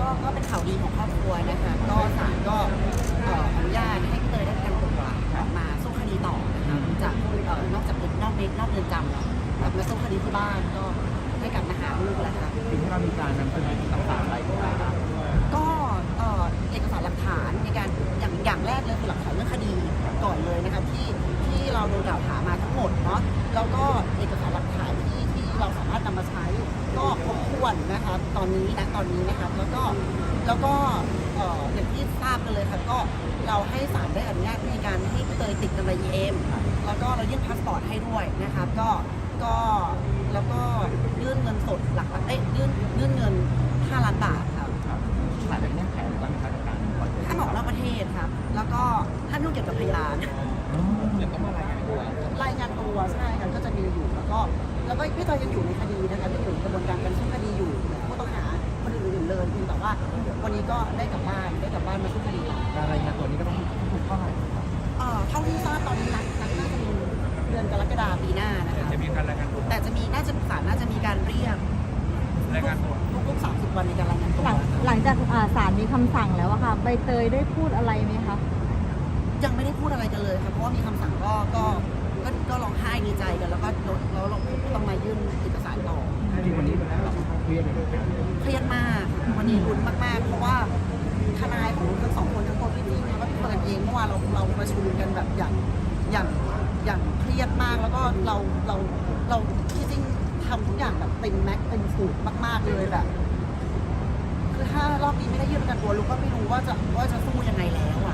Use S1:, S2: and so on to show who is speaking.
S1: ก็เป็นข่าวดีของครอบครัวนะคะก็ศาลก็อนุญาตให้พี่เตยได้ประกันตัวออกมาสู้คดีต่อนะคะจากนอกจากนอกเรือนจำแล้วกลับมาสู้คดีที่บ้านก็ได้กลับมาหาลูกแล้วค่ะ
S2: สิ่งที่เรามีการนำเสนอต่างๆอะไรบ้าง
S1: ก็เอกสารหลักฐานในการอย่างแรกเลยคือหลักฐานเรื่องคดีก่อนเลยนะคะที่เราโดนกล่าวหามาทั้งหมดเนาะแล้วก็เอกสารหลักฐานที่เราสามารถนำมาใช้ก็ครบถ้วนนะคะตอนนี้นะครับแล้วก็อย่างที่ทราบกันเลยค่ะก็เราให้ศาลได้อนุญาตในการให้พี่เตยติดกำไร EM แล้วก็เรายื่นพาสปอร์ตให้ด้วยนะคะก็แล้วก็ยื่นเงินสดยื่นเงิน5 ล้านบาทค่ะ
S2: ผ่านเป็นเงื่อนไขหรือว่ามีมาตรการปล่อยตัว
S1: ห้ามออกนอกประเทศครับแล้วก็ห้ามยุ่งเกี่ยวกับพยาน
S2: เดี๋ยวต้องมารายงานตัว
S1: รายงานตัวใช่ครับก็จะมีอยู่แล้วก็พี่เตยยังอยู่ในคดีนะคะยังอยู่ในกระบวนการการสู้คดีอยู่ผู้ต้องหาคนอื่นๆเลยเพียงแต่ว่าวันนี้ก็ได้กลับบ้านมาสู้คดีแล้ว
S2: การรายงานตัวนี้ก็ต้องถูกข้อหา
S1: เท่าที่ทราบตอนนี้นัดน่าจะมีเดือนกรกฎาคมปีหน้านะคะ
S2: จะมีการรายงานตัว
S1: แต่จะมีศาลน่าจะมีการเรียก
S2: รายงานตัว
S1: ทุก30 วันในการรายงานตัว
S3: หลังจากศาลมีคำสั่งแล้วอะค่ะใบเตยได้พูดอะไรไหมคะ
S1: ยังไม่ได้พูดอะไรกันเลยครับเพราะว่ามีคำสั่งก็ร้องไห้ดีใจกันแล้วก็เราต้องมายื่นเอกสารต่อ
S2: จริงวันนี้เราเครียดเลย
S1: เครียดมากวันนี้ลุ้นมากๆเพราะว่าทนายของทั้งสองคนทั้งตัวพี่นิ่งแล้วก็พี่เฟิร์นเองเมื่อวานเราประชุมกันแบบอย่างเครียดมากแล้วก็เราที่จริงทำทุกอย่างแบบเต็มแม็กซ์เต็มสูตรมากๆเลยแบบคือถ้ารอบนี้ไม่ได้ยื่นประกันตัวลูกก็ไม่รู้ว่าจะสู้ยังไงแล้วอะ